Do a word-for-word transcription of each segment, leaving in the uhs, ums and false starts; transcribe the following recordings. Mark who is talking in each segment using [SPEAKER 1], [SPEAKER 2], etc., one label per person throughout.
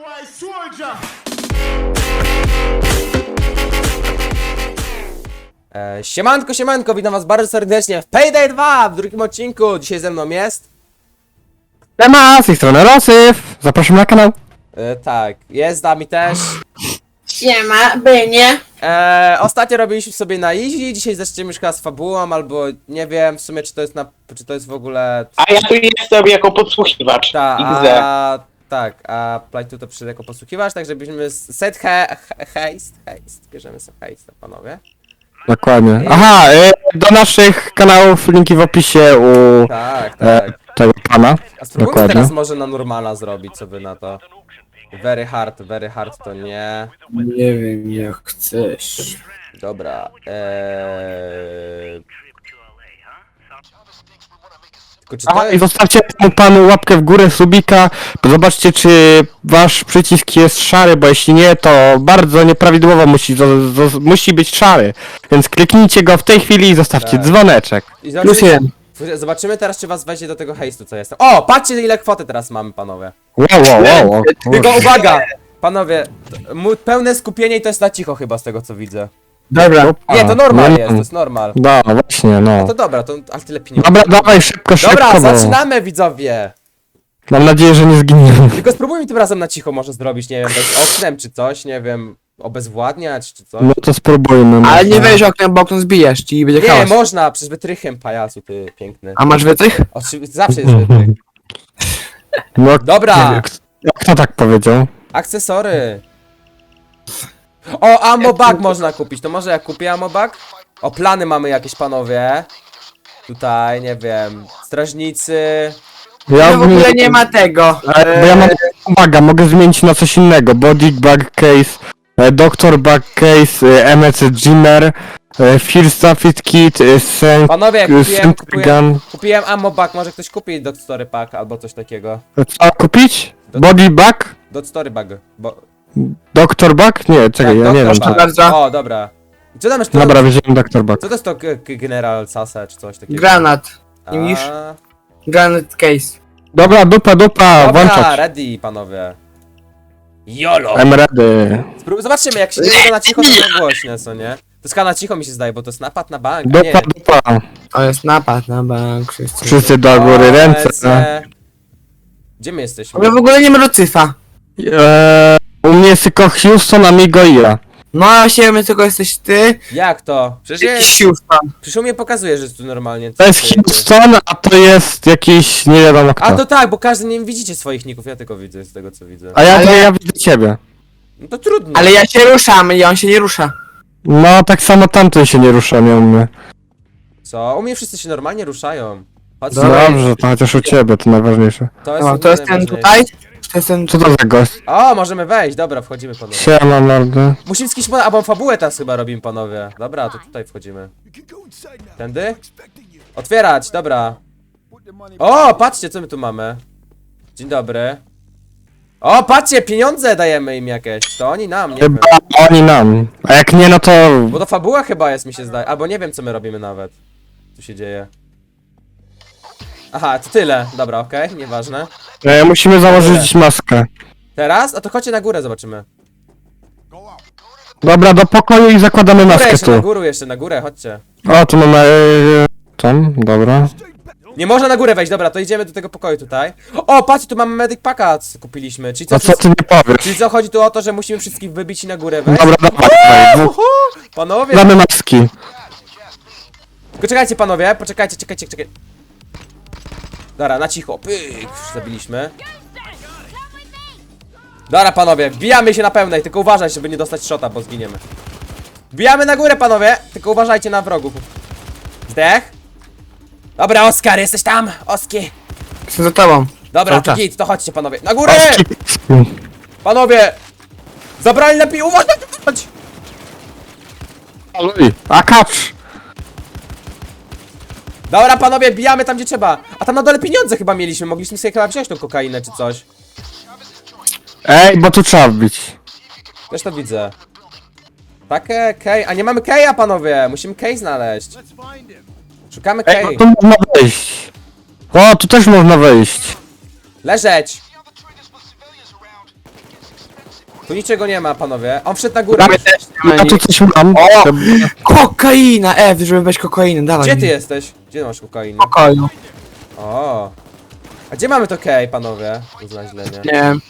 [SPEAKER 1] E, siemanko, siemanko, witam was bardzo serdecznie w Payday dwa w drugim odcinku. Dzisiaj ze mną jest...
[SPEAKER 2] Siema, z tej strony Rosyf, zapraszam na kanał.
[SPEAKER 1] E, tak, jest z nami też.
[SPEAKER 3] Siema, Bynie.
[SPEAKER 1] E, ostatnio robiliśmy sobie na easy, dzisiaj zaczniemy już chyba z fabułą, albo nie wiem w sumie czy to jest na... czy to jest w ogóle...
[SPEAKER 4] A ja tu jestem jako podsłuchiwacz.
[SPEAKER 1] Ta,
[SPEAKER 4] X D.
[SPEAKER 1] a... tak, a Playtu to przyszedł jako posłuchiwacz, tak żebyśmy set he, he, heist, heist, bierzemy sobie heist, panowie.
[SPEAKER 2] Dokładnie. Aha, y, do naszych kanałów linki w opisie u
[SPEAKER 1] Tak,
[SPEAKER 2] e,
[SPEAKER 1] tak.
[SPEAKER 2] tego pana.
[SPEAKER 1] A spróbujmy
[SPEAKER 2] Dokładnie.
[SPEAKER 1] teraz może na normala zrobić, co by na to. Very hard, very hard to nie.
[SPEAKER 3] Nie wiem jak chcesz.
[SPEAKER 1] Dobra, eee... Tylko czy to
[SPEAKER 2] Aha, i
[SPEAKER 1] jest...
[SPEAKER 2] zostawcie temu panu łapkę w górę, subika. Zobaczcie, czy wasz przycisk jest szary, bo jeśli nie, to bardzo nieprawidłowo musi, zo, zo, musi być szary. Więc kliknijcie go w tej chwili i zostawcie
[SPEAKER 1] Tak.
[SPEAKER 2] dzwoneczek.
[SPEAKER 1] I
[SPEAKER 3] Plus
[SPEAKER 1] zobaczymy,
[SPEAKER 3] jeden.
[SPEAKER 1] zobaczymy teraz, czy was weźmie do tego hejstu, co jestem. O, patrzcie ile kwoty teraz mamy, panowie.
[SPEAKER 2] Wow, wow, wow. o
[SPEAKER 1] Tylko
[SPEAKER 2] kurczę.
[SPEAKER 1] uwaga! Panowie, t- mu- pełne skupienie i to jest na cicho chyba z tego, co widzę.
[SPEAKER 3] Dobra.
[SPEAKER 1] Nie, to normal
[SPEAKER 2] nie,
[SPEAKER 1] jest, to jest normal.
[SPEAKER 2] No właśnie, no.
[SPEAKER 1] To dobra, to ale tyle pieniędzy.
[SPEAKER 2] Dobra, dawaj szybko, szybko,
[SPEAKER 1] Dobra,
[SPEAKER 2] bo
[SPEAKER 1] zaczynamy widzowie!
[SPEAKER 2] mam nadzieję, że nie zginiemy.
[SPEAKER 1] Tylko spróbujmy tym razem na cicho może zrobić, nie wiem, bez oknem czy coś, nie wiem, obezwładniać czy coś.
[SPEAKER 2] No to spróbujmy.
[SPEAKER 3] Ale
[SPEAKER 2] może.
[SPEAKER 3] nie weź oknem, bo okno zbijesz i będzie
[SPEAKER 1] Nie,
[SPEAKER 3] chaos.
[SPEAKER 1] można, przecież wytrychem pajacu, ty piękny.
[SPEAKER 3] A masz wytrych?
[SPEAKER 1] Oczywiście, zawsze jest wytrych.
[SPEAKER 2] No,
[SPEAKER 1] Dobra.
[SPEAKER 2] nie wiem, kto- Kto tak powiedział?
[SPEAKER 1] Akcesory. O, ammo bag można kupić, to może ja kupię ammo bag? O, plany mamy jakieś, panowie. Tutaj, nie wiem, strażnicy.
[SPEAKER 2] Ja
[SPEAKER 3] No w ogóle nie ma tego.
[SPEAKER 2] E, Bo ja mam uwaga, mogę zmienić na coś innego. Body bag case, e, doctor bag case, e, M E C Jimmer, e, First Aid Kit, e, Sen...
[SPEAKER 1] Panowie,
[SPEAKER 2] e,
[SPEAKER 1] kupiłem,
[SPEAKER 2] Sentry
[SPEAKER 1] kupiłem,
[SPEAKER 2] Gun.
[SPEAKER 1] kupiłem ammo bag, może ktoś kupi do story pack albo coś takiego.
[SPEAKER 2] Co kupić? Body bag?
[SPEAKER 1] Do story bag, bo...
[SPEAKER 2] Doctor bag? Nie, czekaj, ja
[SPEAKER 1] Tak,
[SPEAKER 2] nie wiem.
[SPEAKER 1] doktor
[SPEAKER 2] Co...
[SPEAKER 1] bag.
[SPEAKER 3] bardzo.
[SPEAKER 1] O, dobra. I co tam jest?
[SPEAKER 2] Dobra, weźmiemy doctor bag.
[SPEAKER 1] Co to jest to k- k- General Sasa czy coś takiego?
[SPEAKER 3] Granat.
[SPEAKER 1] A,
[SPEAKER 3] nie widzisz? Granat case.
[SPEAKER 2] Dobra, dupa, dupa,
[SPEAKER 1] Dobra,
[SPEAKER 2] włączać.
[SPEAKER 1] ready, panowie. YOLO!
[SPEAKER 2] I'm ready.
[SPEAKER 1] Spró- Zobaczymy, jak się nie będzie na cicho, to na głośne, co nie? To jest chyba na cicho mi się zdaje, bo to jest napad na bank, a nie.
[SPEAKER 2] Dupa, dupa.
[SPEAKER 3] To jest napad na bank, wszyscy.
[SPEAKER 2] Wszyscy do góry,
[SPEAKER 1] O,
[SPEAKER 2] ręce.
[SPEAKER 1] lecę. Gdzie my jesteśmy?
[SPEAKER 3] Ale w ogóle nie ma Lucyfa.
[SPEAKER 2] Eee, u mnie jest tylko Houston, Amigo i ja.
[SPEAKER 3] No a się tylko jesteś ty.
[SPEAKER 1] Jak to? Przecież,
[SPEAKER 3] Jakiś
[SPEAKER 1] ja,
[SPEAKER 3] Houston.
[SPEAKER 1] przecież u mnie pokazuje, że jest tu normalnie.
[SPEAKER 2] To jest
[SPEAKER 1] Ty- ty-
[SPEAKER 2] Houston, a to jest jakiś nie wiadomo kto.
[SPEAKER 1] A to tak, bo każdy nie widzicie swoich ników, ja tylko widzę z tego co widzę.
[SPEAKER 2] A ja,
[SPEAKER 3] Ale-
[SPEAKER 2] ja widzę ciebie.
[SPEAKER 1] No to trudno.
[SPEAKER 3] Ale ja się ruszam i on się nie rusza.
[SPEAKER 2] No, tak samo tamten się nie rusza, miał mnie.
[SPEAKER 1] Co? U mnie wszyscy się normalnie ruszają. Chodź,
[SPEAKER 3] Dobra.
[SPEAKER 2] Dobrze, to chociaż u ciebie, to najważniejsze.
[SPEAKER 1] to jest,
[SPEAKER 3] No, to jest ten
[SPEAKER 1] najważniejsze.
[SPEAKER 3] tutaj? To jest ten
[SPEAKER 2] Co to za gość?
[SPEAKER 1] O, możemy wejść, dobra, wchodzimy panowie.
[SPEAKER 2] Siema, mordy.
[SPEAKER 1] Musimy z kimś, po- albo fabułę teraz chyba robimy panowie. Dobra, to tutaj wchodzimy. Tędy? Otwierać, dobra. O, patrzcie co my tu mamy. Dzień dobry. O, patrzcie, pieniądze dajemy im jakieś. To oni nam, nie wiem.
[SPEAKER 2] Chyba oni nam. A jak nie, no to...
[SPEAKER 1] Bo to fabuła chyba jest, mi się zdaje. Albo nie wiem co my robimy nawet. Co się dzieje. Aha, to tyle. Dobra, okej, nieważne.
[SPEAKER 2] E, musimy założyć maskę.
[SPEAKER 1] Teraz? A to chodźcie na górę, zobaczymy.
[SPEAKER 2] Dobra, do pokoju i zakładamy
[SPEAKER 1] Górę
[SPEAKER 2] maskę
[SPEAKER 1] jeszcze, na
[SPEAKER 2] tu.
[SPEAKER 1] górę jeszcze, na górę, chodźcie.
[SPEAKER 2] O, tu mamy... E, tam, dobra.
[SPEAKER 1] Nie można na górę wejść, dobra, to idziemy do tego pokoju tutaj. O, patrzcie, tu mamy medic packa, co kupiliśmy. Czyli co,
[SPEAKER 2] A co ty nie powiesz?
[SPEAKER 1] czyli co, chodzi tu o to, że musimy wszystkich wybić i na górę wejść?
[SPEAKER 2] Dobra, dawaj, dawaj.
[SPEAKER 1] Uhu, panowie!
[SPEAKER 2] Damy maski.
[SPEAKER 1] Tylko czekajcie panowie, poczekajcie, czekajcie, czekajcie. Dobra, na cicho, pyk, zabiliśmy. Dobra panowie, wbijamy się na pełnej, tylko uważaj, żeby nie dostać shota, bo zginiemy. Wbijamy na górę panowie, tylko uważajcie na wrogów. Zdech? Dobra, Oskar, jesteś tam, Oski.
[SPEAKER 3] Jestem za tobą.
[SPEAKER 1] Dobra,
[SPEAKER 3] Cały
[SPEAKER 1] to
[SPEAKER 3] czas.
[SPEAKER 1] git, to chodźcie panowie, na górę!
[SPEAKER 2] Oski.
[SPEAKER 1] Panowie! Zabrali lepiej, uważaj! Chodź.
[SPEAKER 2] Aluj. A kacz.
[SPEAKER 1] Dobra panowie, bijamy tam gdzie trzeba. A tam na dole pieniądze chyba mieliśmy, mogliśmy sobie chyba wziąć tą kokainę czy coś.
[SPEAKER 2] Ej, bo tu trzeba wbić.
[SPEAKER 1] Też to widzę. Takie kej, a nie mamy keja panowie, musimy kej znaleźć. Szukamy
[SPEAKER 2] Ej,
[SPEAKER 1] kej.
[SPEAKER 2] bo tu można wejść. O, tu też można wejść.
[SPEAKER 1] Leżeć! Tu niczego nie ma, panowie. On wszedł na górę.
[SPEAKER 3] My też nie ma
[SPEAKER 2] Ja tu
[SPEAKER 3] nic.
[SPEAKER 2] coś mam.
[SPEAKER 3] O! Kokaina! F, żeby weź kokainę, dawaj
[SPEAKER 1] Gdzie
[SPEAKER 3] mi.
[SPEAKER 1] ty jesteś? Gdzie masz kokainę?
[SPEAKER 3] Pokoju.
[SPEAKER 1] O. A gdzie mamy to kej, panowie? To zna źle, nie?
[SPEAKER 3] Nie wiem.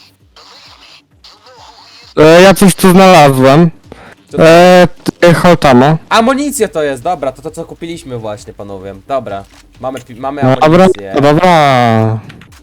[SPEAKER 2] E, ja coś tu znalazłem.
[SPEAKER 1] Co to-
[SPEAKER 2] E, t- Holtamo.
[SPEAKER 1] Amunicja to jest, dobra, to to co kupiliśmy właśnie, panowie. Dobra. Mamy, pi- mamy
[SPEAKER 2] No dobra,
[SPEAKER 1] amunicję.
[SPEAKER 2] no dobra.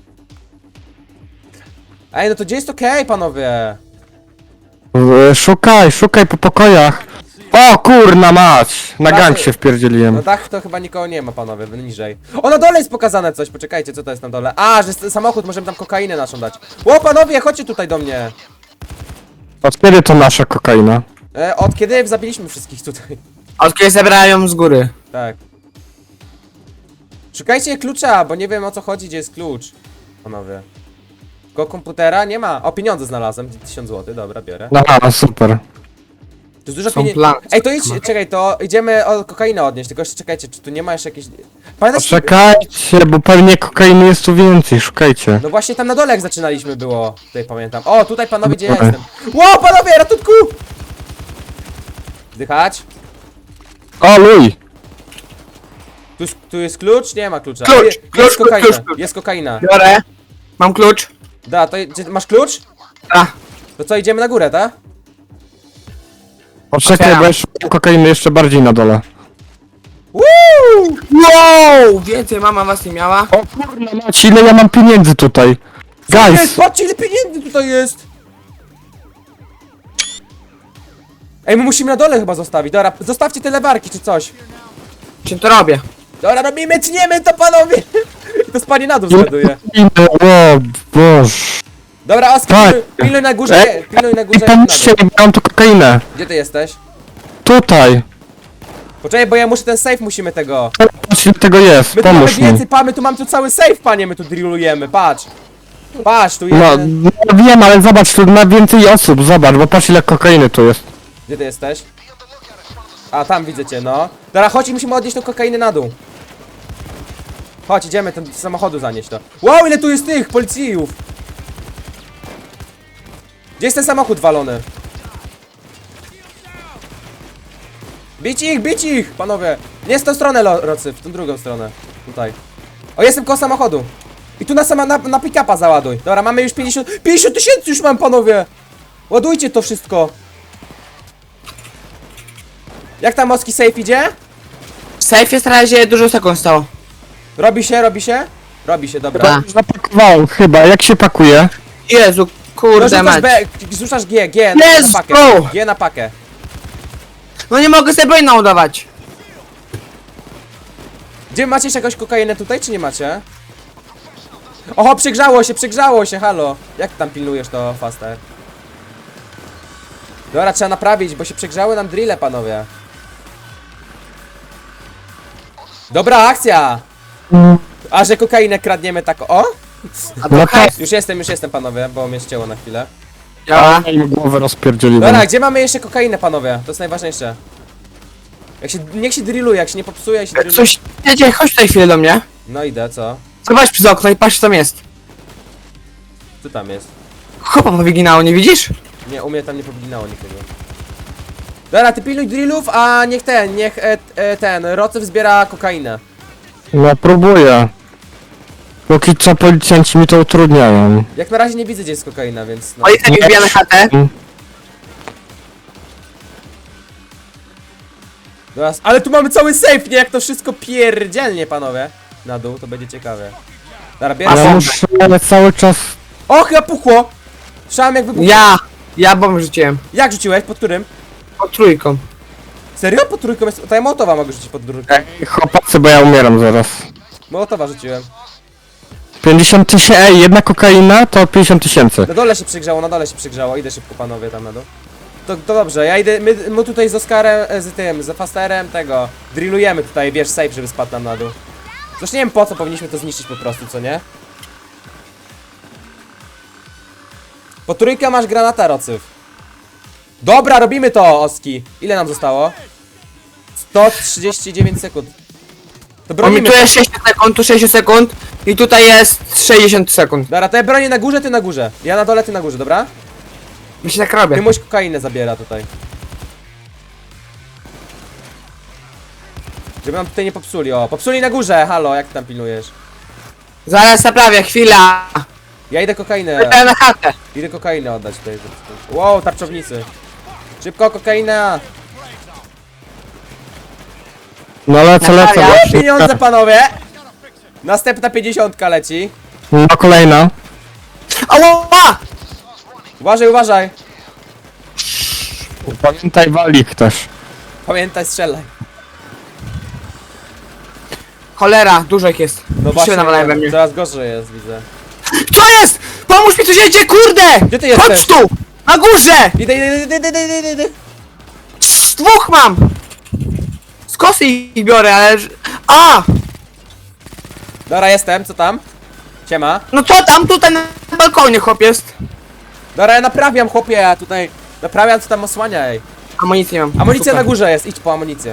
[SPEAKER 1] Ej, no to gdzie jest to kej, panowie?
[SPEAKER 2] E, Szukaj, szukaj po pokojach. O kurna mać! Na gang się
[SPEAKER 1] No
[SPEAKER 2] wpierdzieliłem.
[SPEAKER 1] dach to chyba nikogo nie ma, panowie, niżej. O, na dole jest pokazane coś, poczekajcie, co to jest na dole? A, że jest samochód, możemy tam kokainę naszą dać. O, panowie, chodźcie tutaj do mnie.
[SPEAKER 2] Od kiedy to nasza kokaina?
[SPEAKER 1] E, od kiedy zabiliśmy wszystkich tutaj?
[SPEAKER 3] Od kiedy zabrałem ją z góry.
[SPEAKER 1] Tak. Szukajcie klucza, bo nie wiem o co chodzi, gdzie jest klucz. Panowie. Tylko komputera nie ma. O, pieniądze znalazłem, tysiąc złotych, dobra, biorę.
[SPEAKER 2] Aha, super.
[SPEAKER 1] Tu jest dużo
[SPEAKER 3] Są
[SPEAKER 1] pieniędzy.
[SPEAKER 3] plany.
[SPEAKER 1] Ej, to idź, czekaj, to idziemy o kokainę odnieść, tylko jeszcze czekajcie, czy tu nie ma jeszcze jakiejś... Pamiętasz?
[SPEAKER 2] Poczekajcie, bo pewnie kokainy jest tu więcej, szukajcie.
[SPEAKER 1] No właśnie tam na dole jak zaczynaliśmy było, tutaj pamiętam. O, tutaj panowie, gdzie ja
[SPEAKER 2] Dobra.
[SPEAKER 1] jestem. Ło, panowie, ratunku! Zdychać.
[SPEAKER 2] O, luj!
[SPEAKER 1] Tu, jest- tu jest klucz? Nie ma klucza.
[SPEAKER 3] Klucz,
[SPEAKER 1] Je, jest
[SPEAKER 3] klucz,
[SPEAKER 1] kokaina,
[SPEAKER 3] klucz, klucz.
[SPEAKER 1] jest kokaina.
[SPEAKER 3] Biorę. Mam klucz.
[SPEAKER 1] Da, to gdzie, masz klucz?
[SPEAKER 3] A,
[SPEAKER 1] To co, idziemy na górę, tak?
[SPEAKER 2] Poczekaj,
[SPEAKER 3] Otwieram.
[SPEAKER 2] bo ja szukam kokainy jeszcze bardziej na dole.
[SPEAKER 1] Woo!
[SPEAKER 3] wow! Więcej mama was nie miała.
[SPEAKER 2] O kurna mać, ile ja mam pieniędzy tutaj?
[SPEAKER 1] Jest,
[SPEAKER 2] Guys!
[SPEAKER 1] patrzcie ile pieniędzy tutaj jest! Ej, my musimy na dole chyba zostawić, dobra, zostawcie te lewarki czy coś.
[SPEAKER 3] Czym to robię?
[SPEAKER 1] Dobra, robimy, tniemy to panowie! I to spadnie na dół
[SPEAKER 2] Ile
[SPEAKER 1] zgaduje.
[SPEAKER 2] pieniędzy? O boż.
[SPEAKER 1] Dobra, Oskar,
[SPEAKER 2] Tak.
[SPEAKER 1] pilnuj, pilnuj na górze,
[SPEAKER 2] Ej,
[SPEAKER 1] pilnuj na
[SPEAKER 2] I
[SPEAKER 1] górze, jak na
[SPEAKER 2] pomóżcie
[SPEAKER 1] dół.
[SPEAKER 2] mi, mam tu kokainę.
[SPEAKER 1] Gdzie ty jesteś?
[SPEAKER 2] Tutaj.
[SPEAKER 1] Poczekaj, bo ja muszę ten safe, musimy tego.
[SPEAKER 2] Patrz ile tego jest,
[SPEAKER 1] My tu mamy
[SPEAKER 2] pomóż mi.
[SPEAKER 1] więcej, pa, my tu mamy tu cały safe, panie, my tu drillujemy, patrz. Patrz, tu
[SPEAKER 2] No,
[SPEAKER 1] jeden.
[SPEAKER 2] no wiem, ale zobacz, tu ma więcej osób, zobacz, bo patrz ile kokainy tu jest.
[SPEAKER 1] Gdzie ty jesteś? A, tam widzę cię, no. Dobra, chodź i musimy odnieść tą kokainę na dół. Chodź, idziemy ten z samochodu zanieść to. Wow, ile tu jest tych policyjów! Gdzie jest ten samochód walony? Bić ich, bić ich, panowie! Nie z tą stronę, lo- Rocy, w tą drugą stronę. Tutaj. O, jestem koło samochodu. I tu na sama, na, na pick-upa załaduj. Dobra, mamy już pięćdziesiąt... pięćdziesiąt tysięcy już mam, panowie! Ładujcie to wszystko. Jak tam Moski safe idzie?
[SPEAKER 3] W sejfie w razie dużo sekund stało.
[SPEAKER 1] Robi się, robi się? Robi się, dobra.
[SPEAKER 3] Dobra.
[SPEAKER 2] Zapakowałem chyba, jak się pakuje?
[SPEAKER 3] Jezu,
[SPEAKER 1] No,
[SPEAKER 3] kurde
[SPEAKER 1] rzucasz,
[SPEAKER 3] mać.
[SPEAKER 1] B, rzucasz G, G na,
[SPEAKER 3] Let's
[SPEAKER 1] na pakę.
[SPEAKER 3] go!
[SPEAKER 1] G na pakę.
[SPEAKER 3] No nie mogę sobie broń naładować.
[SPEAKER 1] Gdzie macie jeszcze jakąś kokainę tutaj, czy nie macie? Oho, przygrzało się, przygrzało się, halo. Jak tam pilnujesz to, Faster? Dobra, trzeba naprawić, bo się przegrzały nam drille, panowie. Dobra, akcja! A że kokainę kradniemy tak, o?
[SPEAKER 3] A
[SPEAKER 2] No
[SPEAKER 3] to
[SPEAKER 2] to...
[SPEAKER 3] hajs
[SPEAKER 1] Już jestem, już jestem, panowie, bo mnie ścięło na chwilę.
[SPEAKER 3] działa.
[SPEAKER 2] A, im głowę rozpierdzieliłem.
[SPEAKER 1] Dobra, gdzie mamy jeszcze kokainę, panowie? To jest najważniejsze. Jak się, niech się drilluje, jak się nie popsuje, jak się drilluje.
[SPEAKER 3] Coś, jedzie, chodź tutaj chwilę do mnie.
[SPEAKER 1] No idę, co?
[SPEAKER 3] Zobacz przez okno i patrz co tam jest.
[SPEAKER 1] Co tam jest?
[SPEAKER 3] Chopa powyginało, nie widzisz?
[SPEAKER 1] Nie, u mnie tam nie powinnało nikogo. Dobra, ty pilnuj drillów, a niech ten, niech e, e, ten, Rocew zbiera kokainę.
[SPEAKER 2] No próbuję. Póki co policjanci mi to utrudniają.
[SPEAKER 1] Jak na razie nie widzę, gdzie jest kokaina, więc no.
[SPEAKER 3] O, jest jakiś wbija na chatę.
[SPEAKER 1] Dobra, ale tu mamy cały safe, nie? Jak to wszystko pierdzielnie, panowie. Na dół, to będzie ciekawe. Dobra, bierę
[SPEAKER 2] Ja
[SPEAKER 1] bombę.
[SPEAKER 2] muszę, ale cały czas...
[SPEAKER 1] O, chyba puchło! Słyszałem jak wybuchło.
[SPEAKER 3] Ja, ja bombę rzuciłem.
[SPEAKER 1] Jak rzuciłeś? Pod którym?
[SPEAKER 3] Pod trójką.
[SPEAKER 1] Serio? Pod trójką jest... To ja Mołotowa mogę rzucić pod trójką.
[SPEAKER 2] Ej, chłopacy, bo ja umieram zaraz.
[SPEAKER 1] Mołotowa rzuciłem.
[SPEAKER 2] pięćdziesiąt tysięcy, ej, jedna kokaina to pięćdziesiąt tysięcy.
[SPEAKER 1] Na dole się przygrzało, na dole się przygrzało. Idę szybko, panowie, tam na dół. To, to dobrze, ja idę, my, my tutaj z Oskarem, e, z tym, z Fasterem tego, drillujemy tutaj, wiesz, safe, żeby spadł nam na dół. Zresztą nie wiem po co, powinniśmy to zniszczyć po prostu, co nie? Po trójkę masz granata, Rocyw. Dobra, robimy to, Oski. Ile nam zostało? sto trzydzieści dziewięć sekund. To
[SPEAKER 3] O, mi
[SPEAKER 1] bronimy
[SPEAKER 3] tu
[SPEAKER 1] to.
[SPEAKER 3] jest sześć sekund, tu sześć sekund. I tutaj jest sześćdziesiąt sekund.
[SPEAKER 1] Dobra, to ja bronię na górze, ty na górze. Ja na dole, ty na górze, dobra?
[SPEAKER 3] My się tak robię.
[SPEAKER 1] Komuś kokainę zabiera tutaj. Żeby nam tutaj nie popsuli, o. Popsuli na górze, halo, jak ty tam pilnujesz?
[SPEAKER 3] Zaraz naprawię, chwila.
[SPEAKER 1] Ja idę kokainę.
[SPEAKER 3] Ja na chatę.
[SPEAKER 1] Idę kokainę oddać tutaj. Wow, tarczownicy. Szybko, kokaina!
[SPEAKER 2] No lecę, lecę.
[SPEAKER 3] Naprawia.
[SPEAKER 2] właśnie.
[SPEAKER 1] Pieniądze, panowie! Następna pięćdziesiątka leci.
[SPEAKER 2] No kolejna.
[SPEAKER 3] Ała!
[SPEAKER 1] Uważaj, uważaj.
[SPEAKER 2] Pamiętaj walik też.
[SPEAKER 1] Pamiętaj, strzelaj.
[SPEAKER 3] Cholera, dużo ich jest.
[SPEAKER 1] No
[SPEAKER 3] Wszyscy nawalają we mnie.
[SPEAKER 1] coraz gorzej jest, widzę.
[SPEAKER 3] Co jest? Pomóż mi, tu się dzieje, kurde!
[SPEAKER 1] Gdzie ty jesteś?
[SPEAKER 3] Chodź tu! Na górze!
[SPEAKER 1] Idę, idę, idę, idę, idę, idę, idę.
[SPEAKER 3] Trz, dwóch mam! Z kosy ich biorę, ale... ż- A!
[SPEAKER 1] Dobra, jestem, co tam? Siema.
[SPEAKER 3] No co tam, tutaj na balkonie chłop jest?
[SPEAKER 1] Dobra, ja naprawiam, chłopie, ja tutaj naprawiam, co tam osłaniaj.
[SPEAKER 3] Amunicji nie mam.
[SPEAKER 1] Amunicja
[SPEAKER 3] Super.
[SPEAKER 1] na górze jest, idź po amunicję.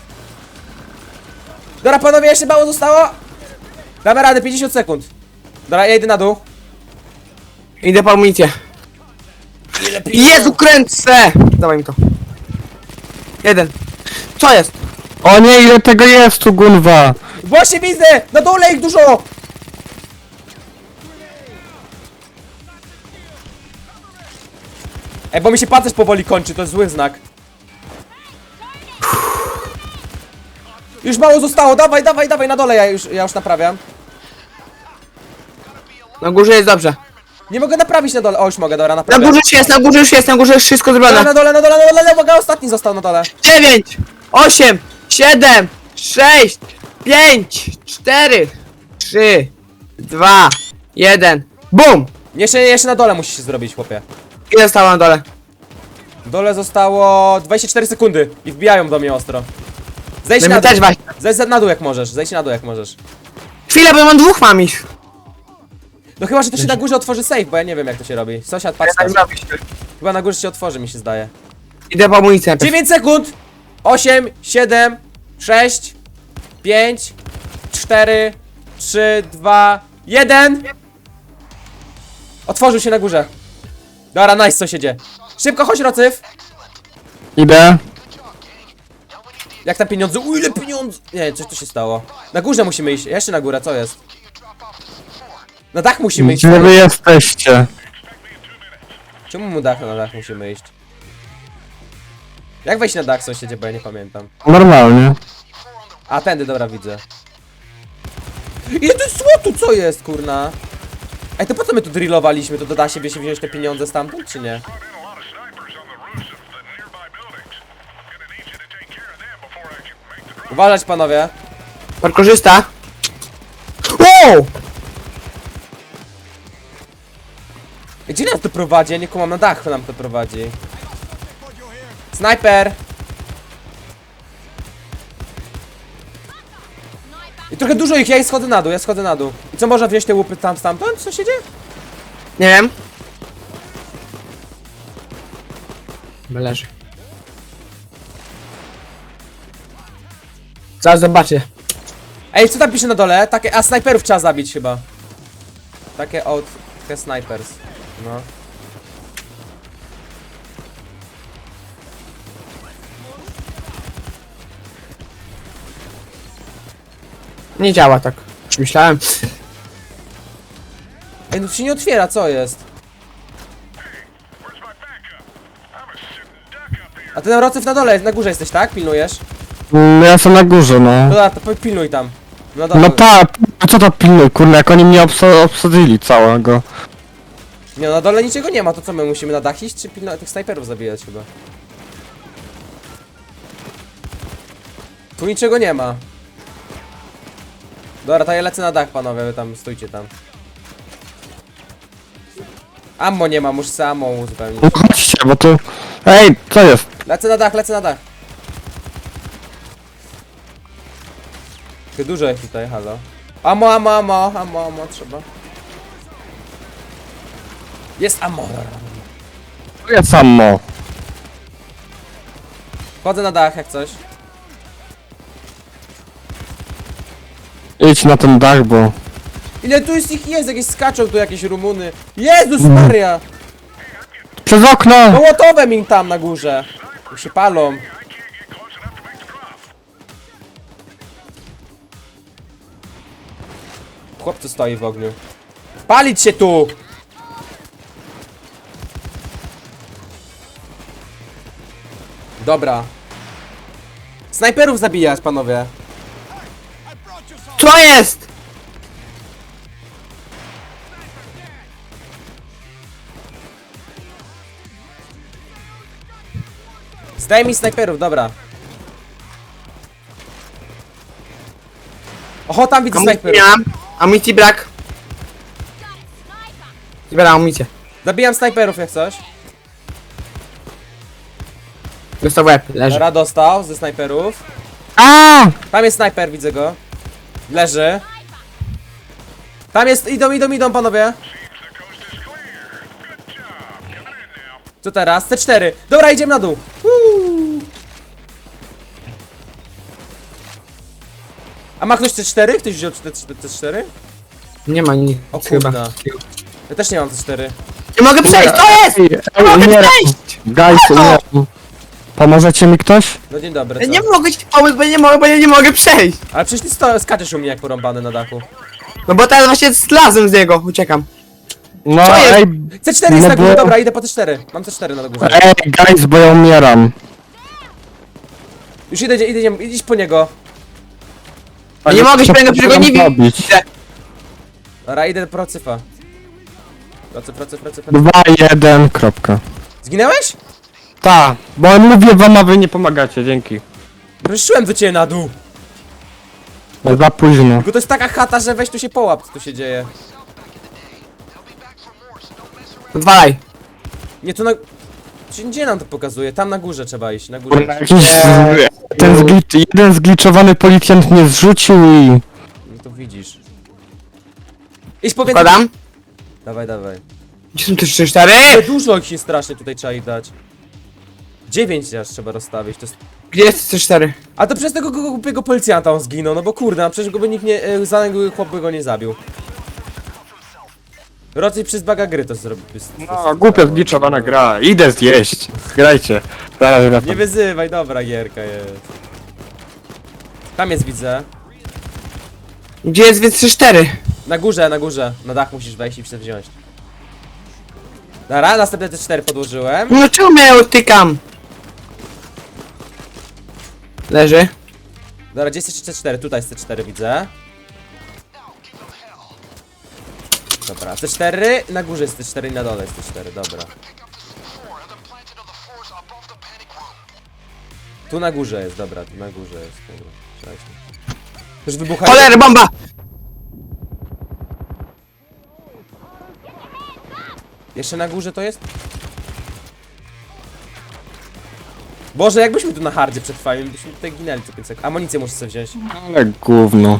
[SPEAKER 1] Dobra, panowie, jeszcze mało zostało. Damy radę, pięćdziesiąt sekund. Dobra, ja idę na dół.
[SPEAKER 3] Idę po amunicję. Jezu, kręcę! Dawaj mi to. Jeden. Co jest?
[SPEAKER 2] O nie, ile tego jest tu, Gunwa.
[SPEAKER 1] Właśnie widzę! Na dole ich dużo! Ej, bo mi się pancerz powoli kończy, to jest zły znak. Już mało zostało, dawaj, dawaj, dawaj, na dole ja już, ja już naprawiam.
[SPEAKER 3] Na górze jest dobrze.
[SPEAKER 1] Nie mogę naprawić na dole, o już mogę, dobra,
[SPEAKER 3] Na
[SPEAKER 1] naprawiam.
[SPEAKER 3] górze już jest, na górze już jest, na górze jest wszystko
[SPEAKER 1] Dobra,
[SPEAKER 3] zrobione.
[SPEAKER 1] na dole, na dole, na dole, uwaga, ostatni został na dole.
[SPEAKER 3] Dziewięć, osiem, siedem, sześć, pięć, cztery, trzy, dwa, jeden. Bum!
[SPEAKER 1] Jeszcze, jeszcze na dole musisz zrobić, chłopie.
[SPEAKER 3] Ile zostało na dole?
[SPEAKER 1] W dole zostało dwadzieścia cztery sekundy i wbijają do mnie ostro. Zejdź
[SPEAKER 3] No
[SPEAKER 1] na
[SPEAKER 3] my
[SPEAKER 1] dół,
[SPEAKER 3] też właśnie.
[SPEAKER 1] zejdź na dół jak możesz, zejdź na dół jak możesz.
[SPEAKER 3] Chwilę, bo ja mam dwóch mam ich.
[SPEAKER 1] No chyba, że to się na górze otworzy safe, bo ja nie wiem jak to się robi. Sąsiad, patrz
[SPEAKER 3] Tak
[SPEAKER 1] tam.
[SPEAKER 3] zrobić.
[SPEAKER 1] Chyba na górze się otworzy, mi się zdaje.
[SPEAKER 3] Idę po amunicję najpierw.
[SPEAKER 1] dziewięć sekund! osiem, siedem, sześć, pięć, cztery, trzy, dwa, jeden. Otworzył się na górze. Dobra, nice, sąsiedzie. Szybko, chodź, Rocyf.
[SPEAKER 2] Idę.
[SPEAKER 1] Jak tam pieniądze? U, ile pieniędzy? Nie, coś tu się stało. Na górze musimy iść. Jeszcze na górę, co jest? Na dach musimy iść.
[SPEAKER 2] Gdzie wy jesteście?
[SPEAKER 1] Czemu mu dach na dach musimy iść? Jak wejść na dach, sąsiedzie, bo ja nie pamiętam.
[SPEAKER 2] Normalnie.
[SPEAKER 1] A, tędy, dobra, widzę. Ile to jest złotu, co jest, kurna? Ej, to po co my tu drillowaliśmy? To da się się wziąć te pieniądze stamtąd, czy nie? Uważać, panowie.
[SPEAKER 3] Parkorzysta. Wow!
[SPEAKER 1] Gdzie nas to prowadzi? Ja nie kumam, na dach nam to prowadzi. Snajper! I trochę dużo ich, ja schodzę na dół, ja schodzę na dół. I co, można wziąć te łupy tam stamtąd? Co się dzieje?
[SPEAKER 3] Nie wiem. Leży. Zaraz zobaczę.
[SPEAKER 1] Ej, co tam pisze na dole? Takie, a snajperów trzeba zabić chyba. Takie out, takie snipers. No.
[SPEAKER 3] Nie działa tak. Już myślałem.
[SPEAKER 1] Ej, no to się nie otwiera, co jest? A ten Rocyf na dole, na górze jesteś, tak? Pilnujesz?
[SPEAKER 2] Mm, Ja jestem na górze, no.
[SPEAKER 1] No dobra, to po- pilnuj tam. No dobra.
[SPEAKER 2] No ta, a co to pilnuj, kurna, jak oni mnie obsa obsadzili całego.
[SPEAKER 1] Nie, na dole niczego nie ma, to co my musimy na dach iść, czy pilno tych snajperów zabijać chyba? Tu niczego nie ma. Dobra, to ja lecę na dach, panowie, wy tam stójcie tam. Ammo nie ma, muszę sobie ammo uzupełnić.
[SPEAKER 2] No chodźcie, bo tu... Ej, co jest?
[SPEAKER 1] Lecę na dach, lecę na dach. Ty dużo jest tutaj, halo. Ammo, ammo, ammo, ammo, ammo, trzeba. Jest ammo.
[SPEAKER 2] Tu jest samo.
[SPEAKER 1] Wchodzę na dach jak coś.
[SPEAKER 2] Idź na ten dach, bo...
[SPEAKER 1] Ile tu jest ich jest? Jakieś skaczą tu jakieś Rumuny. Jezus Maria!
[SPEAKER 2] Przez okno!
[SPEAKER 1] Mołotowem im tam na górze. Już się palą. Chłopcu stoi w ogniu. Palić się tu! Dobra. Snajperów zabijać, panowie.
[SPEAKER 3] Co jest?
[SPEAKER 1] Zdaj mi snajperów, dobra. Oho, tam widzę
[SPEAKER 3] Amunicji
[SPEAKER 1] snajperów.
[SPEAKER 3] miałam. Amunicji brak. Zbieram amunicję.
[SPEAKER 1] Zabijam snajperów jak coś.
[SPEAKER 3] Dostał w łeb, leży.
[SPEAKER 1] Dobra, dostał ze snajperów.
[SPEAKER 2] A!
[SPEAKER 1] Tam jest snajper, widzę go. Leży. Tam jest, idą, idą, idą panowie. Co teraz? C cztery. Dobra, idziemy na dół. Uuu. A ma ktoś C cztery? Ktoś wziął C cztery?
[SPEAKER 3] Nie ma nic
[SPEAKER 1] O
[SPEAKER 3] chyba.
[SPEAKER 1] kurna. Ja też nie mam C cztery.
[SPEAKER 3] Nie mogę przejść, to jest!
[SPEAKER 2] Ej,
[SPEAKER 3] Nie mogę
[SPEAKER 2] umieram.
[SPEAKER 3] przejść!
[SPEAKER 2] Guys, umieram. Pomożecie mi ktoś?
[SPEAKER 1] No dzień dobry,
[SPEAKER 3] Ja
[SPEAKER 1] co?
[SPEAKER 3] nie mogę ci pomóc, bo ja nie mogę, bo ja nie mogę przejść.
[SPEAKER 1] Ale przecież ty sto- skaczesz u mnie jak porąbany na dachu.
[SPEAKER 3] No bo teraz właśnie zlazłem z niego, uciekam.
[SPEAKER 2] No
[SPEAKER 3] Co jest?
[SPEAKER 2] ej,
[SPEAKER 1] C cztery jest
[SPEAKER 2] No
[SPEAKER 1] na górze,
[SPEAKER 2] bo-
[SPEAKER 1] dobra, idę po C cztery. Mam C cztery na górze.
[SPEAKER 2] ej, guys, bo ja umieram.
[SPEAKER 1] Już idę, idę, idę, idź po niego.
[SPEAKER 3] Ja nie mogę się
[SPEAKER 2] Co
[SPEAKER 3] tego, przecież go nie
[SPEAKER 2] zrobić?
[SPEAKER 3] widzę.
[SPEAKER 1] Dobra, idę do procyfa. Procy, procy, procy, procy.
[SPEAKER 2] Dwa, jeden, kropka.
[SPEAKER 1] Zginęłeś?
[SPEAKER 2] Ta, bo mówię wam, a wy nie pomagacie, dzięki.
[SPEAKER 1] Ruszyłem do ciebie na dół.
[SPEAKER 2] No za późno.
[SPEAKER 1] Tylko to jest taka chata, że weź tu się połap, co tu się dzieje.
[SPEAKER 3] Odwalaj.
[SPEAKER 1] Nie, tu na... Gdzie- Gdzie nam to pokazuje? Tam na górze trzeba iść, na górze.
[SPEAKER 2] Kurna, jakiś z... ten zglicz... jeden zgliczowany policjant mnie zrzucił i...
[SPEAKER 1] No to widzisz. Idź powiedz...
[SPEAKER 3] Składam.
[SPEAKER 1] Dawaj, dawaj.
[SPEAKER 3] Gdzie są te trzy, cztery?
[SPEAKER 1] Ale dużo ich się strasznie tutaj trzeba ich dać. Dziewięć aż trzeba rozstawić, to jest...
[SPEAKER 3] Gdzie jest trzy, cztery?
[SPEAKER 1] A to przez tego gu- głupiego policjanta on zginął, no bo kurde, a przecież go by nikt nie... E, zaległy chłop by go nie zabił. Raczej przez baga gry to zrobił.
[SPEAKER 2] No, głupia zgliczowana gra. Idę zjeść. Grajcie. Zaraz
[SPEAKER 1] Nie
[SPEAKER 2] wracam.
[SPEAKER 1] wyzywaj, dobra gierka jest. Tam jest, widzę.
[SPEAKER 3] Gdzie jest więc trzy, cztery?
[SPEAKER 1] Na górze, na górze. Na dach musisz wejść i chcę wziąć. Dobra, następne te cztery podłożyłem.
[SPEAKER 3] No czemu ja utykam? Leży.
[SPEAKER 1] Dobra, gdzie jest C cztery? Tutaj jest C cztery, widzę. Dobra, C cztery, na górze jest C cztery i na dole jest C cztery, dobra. Tu na górze jest, dobra, tu na górze jest, dobra. Przejdźmy. Już wybucha.
[SPEAKER 3] Cholery, bomba!
[SPEAKER 1] Jeszcze na górze to jest? Boże, jakbyśmy tu na hardzie przetrwali, byśmy tutaj ginęli co pięć sekund. Amunicję muszę sobie wziąć.
[SPEAKER 2] Ale gówno.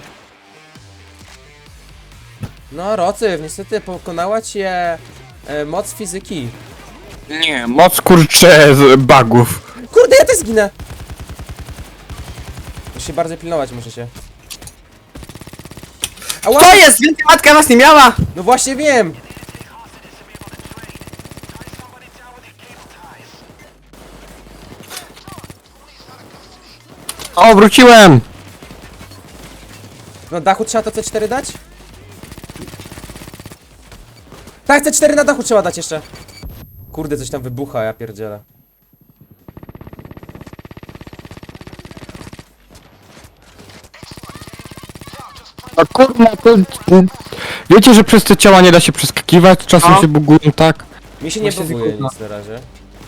[SPEAKER 1] No, Rocyw, niestety pokonała cię e, moc fizyki.
[SPEAKER 2] Nie, moc kurcze z bugów.
[SPEAKER 1] Kurde, ja też zginę! Muszę się bardzo pilnować, muszę się. Ała!
[SPEAKER 3] To jest! Więcej matka was nie miała!
[SPEAKER 1] No właśnie wiem!
[SPEAKER 2] O, wróciłem!
[SPEAKER 1] Na dachu trzeba to C cztery dać? Tak, C cztery na dachu trzeba dać jeszcze. Kurde, coś tam wybucha, ja pierdzielę.
[SPEAKER 2] A kurna, to... Wiecie, że przez te ciała nie da się przeskakiwać? Czasem
[SPEAKER 3] No.
[SPEAKER 2] się bugują, tak?
[SPEAKER 1] Mi się nie
[SPEAKER 3] Właśnie
[SPEAKER 1] buguje
[SPEAKER 3] kurwa.
[SPEAKER 1] nic na razie.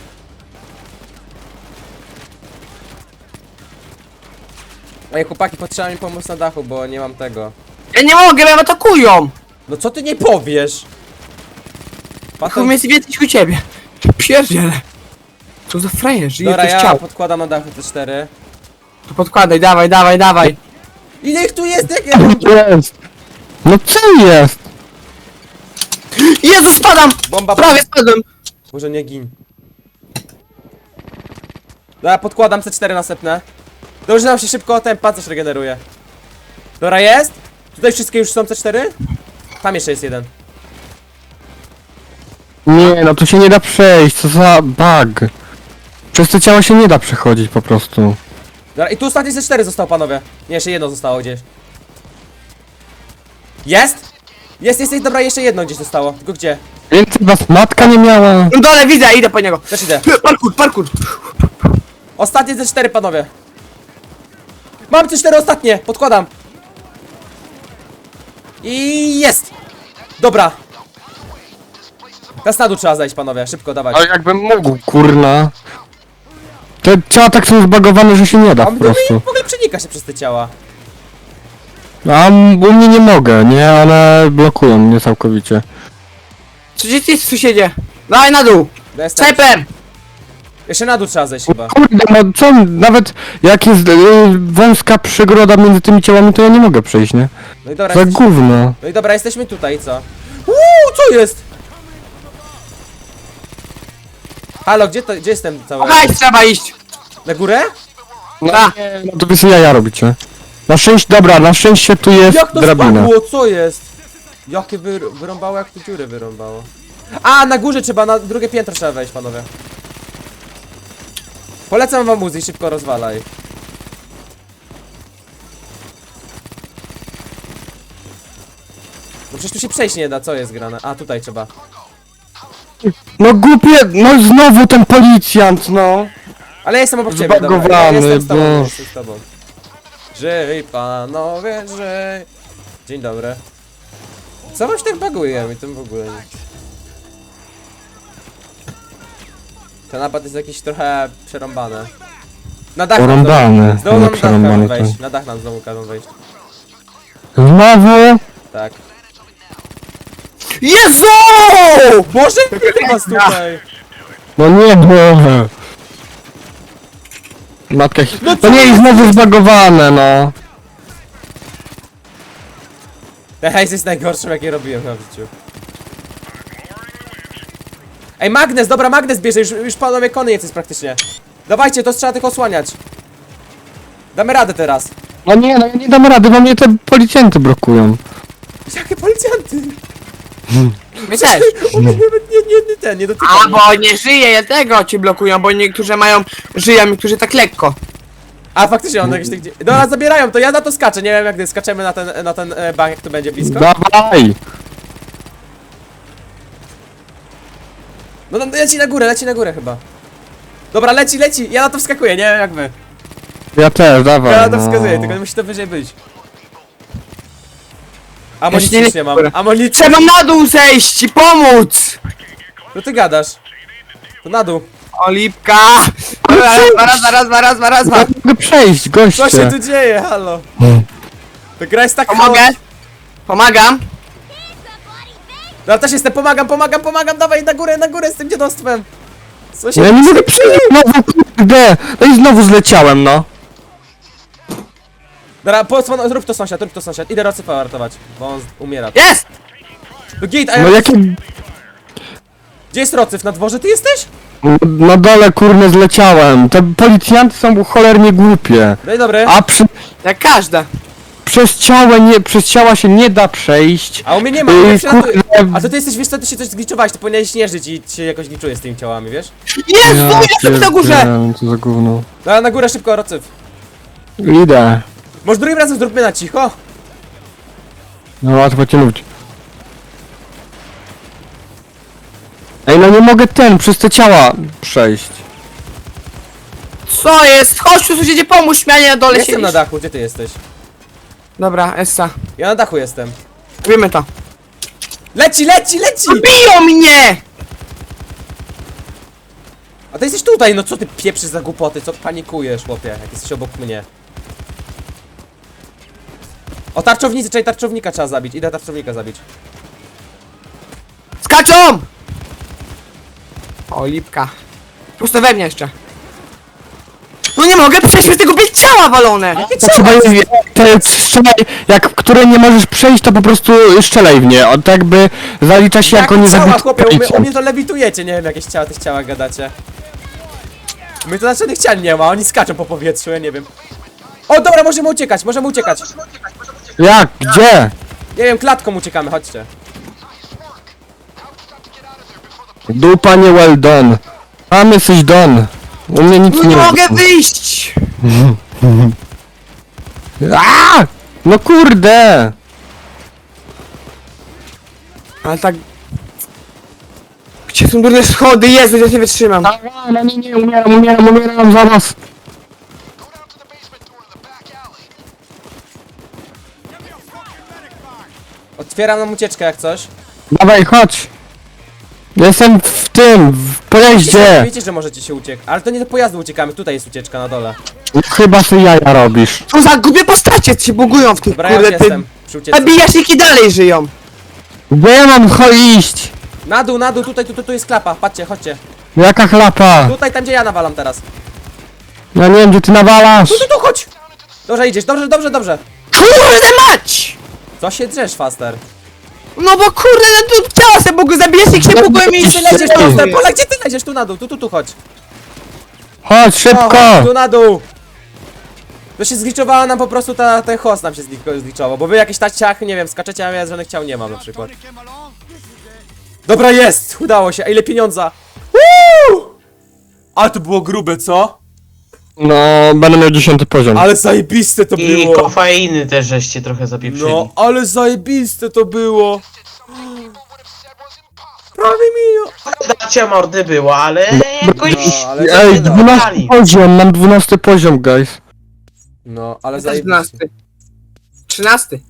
[SPEAKER 1] Ej, chłopaki, potrzeba mi pomóc na dachu, bo nie mam tego.
[SPEAKER 3] Ja nie mogę, bo mnie atakują!
[SPEAKER 1] No co ty nie powiesz?
[SPEAKER 3] Chuj
[SPEAKER 1] Pato...
[SPEAKER 3] mnie jest więcej u ciebie. Pierdziele. Co za frajerzy, ile
[SPEAKER 1] Dobra,
[SPEAKER 3] ktoś
[SPEAKER 1] ja
[SPEAKER 3] chciał.
[SPEAKER 1] podkładam na dachu C cztery.
[SPEAKER 3] To podkładaj, dawaj, dawaj, dawaj.
[SPEAKER 1] Ile ich tu jest? Jak ja mam...
[SPEAKER 2] Jest! No co jest?
[SPEAKER 3] Jezu, spadam!
[SPEAKER 1] Bomba,
[SPEAKER 3] Prawie spadłem!
[SPEAKER 1] Może nie gin. Dobra, podkładam C cztery następne. Dobrze nam się szybko ten pancerz regeneruje. Dobra, jest? Tutaj wszystkie już są C cztery? Tam jeszcze jest jeden.
[SPEAKER 2] Nie, no tu się nie da przejść, co za bug. Przez te ciała się nie da przechodzić po prostu.
[SPEAKER 1] Dobra, i tu ostatnie ze cztery zostało, panowie. Nie, jeszcze jedno zostało gdzieś. Jest? Jest, jest, jest, dobra, jeszcze jedno gdzieś zostało. Tylko gdzie?
[SPEAKER 2] Więcej was matka nie miała.
[SPEAKER 3] No dole widzę, idę po niego.
[SPEAKER 1] Też idę.
[SPEAKER 3] Parkour, parkour.
[SPEAKER 1] Ostatnie ze cztery, panowie. Mam te cztery ostatnie, podkładam. I jest. Dobra. Teraz na dół trzeba zejść, panowie, szybko, dawać.
[SPEAKER 2] Ale jakbym mógł, kurna. Te ciała tak są zbagowane, że się nie da
[SPEAKER 1] A
[SPEAKER 2] po
[SPEAKER 1] my
[SPEAKER 2] prostu.
[SPEAKER 1] w ogóle przenika się przez te ciała.
[SPEAKER 2] A m- u mnie nie mogę, nie? One blokują mnie całkowicie.
[SPEAKER 3] Co gdzie ty jest, sąsiedzie? Dawaj na dół.
[SPEAKER 1] No jestem.
[SPEAKER 3] Snajper.
[SPEAKER 1] Jeszcze na dół trzeba zejść chyba.
[SPEAKER 2] Kurde, no co, nawet jak jest y, wąska przegroda między tymi ciałami, to ja nie mogę przejść, nie?
[SPEAKER 1] No i dobra,
[SPEAKER 2] Za
[SPEAKER 1] jesteś...
[SPEAKER 2] gówno.
[SPEAKER 1] no i dobra, jesteśmy tutaj, co? Uuu, co jest? Halo, gdzie to, gdzie jestem cały?
[SPEAKER 3] Hajs trzeba iść.
[SPEAKER 1] Na górę?
[SPEAKER 2] No,
[SPEAKER 3] Ta.
[SPEAKER 2] nie, no to wy sobie jaja robicie. Na szczęście, dobra, na szczęście tu jest
[SPEAKER 1] Jak to
[SPEAKER 2] drabina.
[SPEAKER 1] spadło, co jest? Jakie wy, wyrąbało, jak tu dziury wyrąbało. A, na górze trzeba, na drugie piętro trzeba wejść, panowie. Polecam wam muzyk, szybko rozwalaj. No przecież tu się przejść nie da, co jest grane? A, tutaj trzeba.
[SPEAKER 2] No głupie, no znowu ten policjant, no.
[SPEAKER 1] Ale ja jestem obok ciebie, dobra, ja
[SPEAKER 2] Zbagowany,
[SPEAKER 1] jestem z tobą, ja
[SPEAKER 2] Boże.
[SPEAKER 1] jestem z tobą. Żyj, panowie, żyj. Dzień dobry. Co wam się tak baguje? Mi tym w ogóle nie. Ten napad jest jakiś trochę przerąbany. Na dach nam
[SPEAKER 2] Porąbany,
[SPEAKER 1] znowu- Znowu
[SPEAKER 2] ale
[SPEAKER 1] nam na dach każą
[SPEAKER 2] przerąbany
[SPEAKER 1] wejść.
[SPEAKER 2] to.
[SPEAKER 1] Na dach nam znowu każą wejść.
[SPEAKER 2] Znowu?
[SPEAKER 1] Tak.
[SPEAKER 3] Jezu!
[SPEAKER 1] Boże, który was tutaj?
[SPEAKER 2] No nie, Boże. Matka, no to nie, i znowu zbagowane, no.
[SPEAKER 1] Ten hejs jest najgorszym, jakie robiłem na życiu. Ej, magnes, dobra, magnes bierze, już, już panowie koniec jest praktycznie. Dawajcie, to trzeba tylko osłaniać. Damy radę teraz.
[SPEAKER 2] No nie, no ja nie dam rady, bo mnie te policjanty blokują.
[SPEAKER 1] Jakie policjanty?
[SPEAKER 3] My też.
[SPEAKER 1] O, nie, nie, nie, nie, ten, nie dotykaj
[SPEAKER 3] A,
[SPEAKER 1] mnie.
[SPEAKER 3] bo nie żyje, dlatego ci blokują, bo niektórzy mają, żyją, niektórzy tak lekko.
[SPEAKER 1] A faktycznie on jakieś tak gdzie... Dobra, zabierają to, ja na to skaczę, nie wiem jak gdy skaczemy na ten, na ten e, bank, jak to będzie blisko.
[SPEAKER 2] Dawaj!
[SPEAKER 1] No, no leci na górę, leci na górę chyba. Dobra, leci, leci, ja na to wskakuję, nie wiem jak wy.
[SPEAKER 2] Ja też, dawaj.
[SPEAKER 1] Ja na to
[SPEAKER 2] no.
[SPEAKER 1] wskazuję, tylko musi to wyżej być.
[SPEAKER 3] Jeszcze
[SPEAKER 1] Amunicji
[SPEAKER 3] nie
[SPEAKER 1] już
[SPEAKER 3] leci
[SPEAKER 1] nie mam,
[SPEAKER 3] w górę.
[SPEAKER 1] amunicji.
[SPEAKER 3] Trzeba na dół zejść i pomóc!
[SPEAKER 1] No ty gadasz. To na dół.
[SPEAKER 3] Olipka! Raz, raz, raz, raz, raz, raz,
[SPEAKER 2] Ja
[SPEAKER 3] raz.
[SPEAKER 2] nie mogę przejść, goście.
[SPEAKER 1] Co się tu dzieje, halo?
[SPEAKER 2] Hmm.
[SPEAKER 1] Ta gra jest tak
[SPEAKER 3] Pomogę?
[SPEAKER 1] chaos-
[SPEAKER 3] Pomagam?
[SPEAKER 1] Ja też jestem, pomagam, pomagam, pomagam, dawaj na górę, na górę z tym dziadostwem. Co się
[SPEAKER 2] Ja nie mogę przejść, znowu, kurde. No i znowu zleciałem, no.
[SPEAKER 1] Dobra, posłon, zrób to sąsiad, rób to sąsiad. Idę Rocyfa ratować, bo on z- umiera.
[SPEAKER 3] Jest!
[SPEAKER 1] No git, a ja...
[SPEAKER 2] No jakie...
[SPEAKER 1] Gdzie jest Rocyf? Na dworze ty jesteś?
[SPEAKER 2] Na dole, kurne, zleciałem. Te policjanty są cholernie głupie.
[SPEAKER 1] No i dobry.
[SPEAKER 2] A przy...
[SPEAKER 3] Jak każda.
[SPEAKER 2] przez ciała nie... przez ciała się nie da przejść.
[SPEAKER 1] A u mnie nie ma,
[SPEAKER 2] Yy,
[SPEAKER 1] ja przylatuję.
[SPEAKER 2] kurde.
[SPEAKER 1] A to ty jesteś, wiesz co, ty się coś zgliczowałeś, ty powinieneś śnieżyć i się jakoś gliczuje z tymi ciałami, wiesz?
[SPEAKER 3] Jezu, jestem na górze!
[SPEAKER 2] pierdzielę, co za gówno.
[SPEAKER 1] Dobra, na górę szybko, Rocyf.
[SPEAKER 2] Idę.
[SPEAKER 1] Może drugim razem zróbmy na cicho?
[SPEAKER 2] No łatwo cię lubić. Ej, no nie mogę ten, przez te ciała przejść.
[SPEAKER 3] Co jest? Chodź tu sąsiedzie, pomóż mi, a nie na dole
[SPEAKER 1] Jestem
[SPEAKER 3] siedzisz.
[SPEAKER 1] na dachu, gdzie ty jesteś?
[SPEAKER 3] Dobra, Essa.
[SPEAKER 1] Ja na dachu jestem.
[SPEAKER 3] Robimy to.
[SPEAKER 1] Leci, leci, leci!
[SPEAKER 3] Biją mnie!
[SPEAKER 1] A ty jesteś tutaj, no co ty pieprzysz za głupoty, co panikujesz, chłopie, jak jesteś obok mnie. O, tarczownicy, czyli tarczownika trzeba zabić, idę tarczownika zabić.
[SPEAKER 3] Skaczą! O, lipka. Prosto we mnie jeszcze. No nie mogę przejść przez tego bieg ciała walone!
[SPEAKER 2] To trzeba je, te strzelaj, jak które nie możesz przejść, to po prostu strzelaj w nie. On tak jakby zalicza się jako
[SPEAKER 1] Jakie
[SPEAKER 2] nie
[SPEAKER 1] ciała,
[SPEAKER 2] zabity
[SPEAKER 1] chłopie, u mnie, u
[SPEAKER 2] policjant.
[SPEAKER 1] mnie to lewitujecie, nie wiem jakieś ciała, tych ciałach gadacie. U mnie to żadnych ciał nie ma, oni skaczą po powietrzu, ja nie wiem. O, dobra, możemy uciekać, możemy uciekać.
[SPEAKER 2] Jak? Gdzie?
[SPEAKER 1] Nie wiem, klatką uciekamy, chodźcie.
[SPEAKER 2] Dupa nie well done. Tam jesteś done. U mnie nic
[SPEAKER 3] No
[SPEAKER 2] nie
[SPEAKER 3] nie
[SPEAKER 2] ma.
[SPEAKER 3] mogę wyjść!
[SPEAKER 2] A! No kurde!
[SPEAKER 3] Ale tak... Gdzie są durne schody? Jezu, ja nie wytrzymam.
[SPEAKER 2] No nie, nie, umieram, umieram, umieram zaraz.
[SPEAKER 1] Otwieram nam ucieczkę jak coś.
[SPEAKER 2] Dawaj, chodź. Jestem w tym, w pojeździe.
[SPEAKER 1] Wiecie, że możecie się uciekać. Ale to nie do pojazdu uciekamy, tutaj jest ucieczka na dole.
[SPEAKER 2] Chyba sobie jaja robisz.
[SPEAKER 3] Co za głupie postacie się bugują w tych
[SPEAKER 1] Dobra, ja już
[SPEAKER 3] kurde
[SPEAKER 1] jestem
[SPEAKER 3] tym...
[SPEAKER 1] przy ucieczce.
[SPEAKER 3] Zabijaśniki dalej żyją.
[SPEAKER 2] Gdzie ja mam cho iść?
[SPEAKER 1] Na dół, na dół, tutaj, tu, tu, tu jest klapa, patrzcie, chodźcie.
[SPEAKER 2] Jaka chlapa?
[SPEAKER 1] Tutaj, tam gdzie ja nawalam teraz.
[SPEAKER 2] Ja nie wiem, gdzie ty nawalasz.
[SPEAKER 1] Tu, tu, tu, chodź! Dobrze idziesz, dobrze, dobrze, dobrze.
[SPEAKER 3] Kurde mać!
[SPEAKER 1] Co się drzesz, Faster?
[SPEAKER 3] No bo kurde, no tu ciała se bugu, zabijaśnik się bugują i
[SPEAKER 1] Gdzie
[SPEAKER 3] się
[SPEAKER 1] ty lecisz,
[SPEAKER 3] lecieć
[SPEAKER 1] Faster? Pola, gdzie ty lecisz? Tu na dół, tu, tu, tu, chodź.
[SPEAKER 2] Chodź,
[SPEAKER 1] O,
[SPEAKER 2] szybko.
[SPEAKER 1] tu na dół. To się zgliczowała nam po prostu ta, ten host nam się zgli- zgliczował, bo wy jakieś taciachy, nie wiem, skaczecie, a ja żadnych ciał nie mam na przykład. Dobra, jest! Udało się, a ile pieniądza? Woo! Ale to było grube, co?
[SPEAKER 2] No, będę miał dziesiąty poziom.
[SPEAKER 1] Ale zajebiste to
[SPEAKER 4] I
[SPEAKER 1] było!
[SPEAKER 4] kofeiny też żeście trochę zapieprzyli.
[SPEAKER 1] No, ale zajebiste to było! Prawie mi...
[SPEAKER 4] Dacia mordy było, ale jakoś...
[SPEAKER 1] No, ale
[SPEAKER 2] Ej,
[SPEAKER 1] zajebiste.
[SPEAKER 2] dwunasty poziom, mam dwunasty poziom, guys.
[SPEAKER 1] No, ale
[SPEAKER 3] Też
[SPEAKER 1] zajebiste.
[SPEAKER 3] dwunasty. Trzynasty.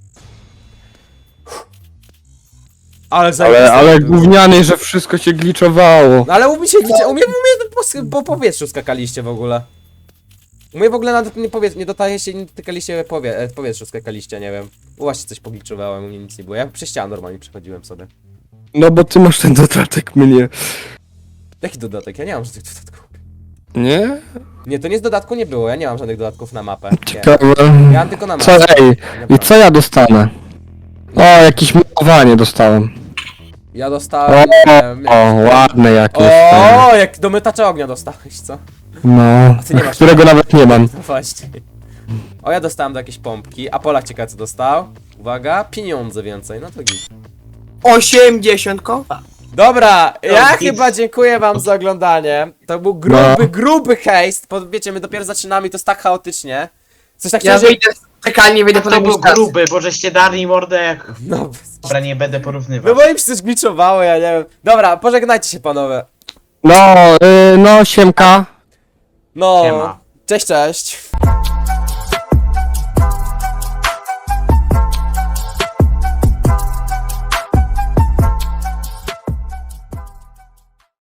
[SPEAKER 1] Ale
[SPEAKER 2] Ale,
[SPEAKER 1] zajebiste
[SPEAKER 2] ale
[SPEAKER 1] to było.
[SPEAKER 2] gówniany, że wszystko się gliczowało.
[SPEAKER 1] No ale u mnie się gdzie, u mnie, u mnie po, po powietrzu skakaliście w ogóle. U mnie w ogóle nawet nie powie, nie dotajecie, nie dotykaliście powie, e, w powietrzu skakaliście, nie wiem. U was się coś pogliczowałem, u mnie nic nie było. Ja przez ścianę normalnie przechodziłem sobie.
[SPEAKER 2] No bo ty masz ten dodatek mnie.
[SPEAKER 1] Jaki dodatek? Ja nie mam żadnych dodatków.
[SPEAKER 2] Nie?
[SPEAKER 1] Nie, to nie z dodatku nie było, ja nie mam żadnych dodatków na mapę. Nie.
[SPEAKER 2] Ciekawe.
[SPEAKER 1] Ja mam tylko na
[SPEAKER 2] Co,
[SPEAKER 1] mapę.
[SPEAKER 2] ej, i co ja dostanę? O, jakieś malowanie dostałem.
[SPEAKER 1] Ja
[SPEAKER 2] O,
[SPEAKER 1] dostałem... nie
[SPEAKER 2] o,
[SPEAKER 1] wiem,
[SPEAKER 2] ładne jakieś.
[SPEAKER 1] O, jak do mytacza ognia dostałeś, co?
[SPEAKER 2] No,
[SPEAKER 1] ty nie masz
[SPEAKER 2] którego nawet nie mam.
[SPEAKER 1] No właśnie. O, ja dostałem do jakiejś pompki, a Polak ciekawe co dostał. Uwaga, pieniądze więcej, no to git.
[SPEAKER 3] Osiemdziesiąt koła.
[SPEAKER 1] Dobra, ja
[SPEAKER 4] git.
[SPEAKER 1] chyba dziękuję wam za oglądanie. To był gruby,
[SPEAKER 2] No.
[SPEAKER 1] gruby hejst, bo wiecie, my dopiero zaczynamy i to jest tak chaotycznie. Coś
[SPEAKER 3] Ja
[SPEAKER 1] takiego, że...
[SPEAKER 3] wyjdę z czekalni, wyjdę po
[SPEAKER 4] To był
[SPEAKER 3] jakimś
[SPEAKER 4] gruby, bo żeście dali mordę jak...
[SPEAKER 1] No,
[SPEAKER 4] Dobra, nie będę
[SPEAKER 1] no
[SPEAKER 4] porównywał.
[SPEAKER 1] bo im się coś gliczowało, ja nie wiem. Dobra, pożegnajcie się panowie.
[SPEAKER 2] No, y, no, siemka.
[SPEAKER 1] No,
[SPEAKER 4] Siema.
[SPEAKER 1] cześć, cześć.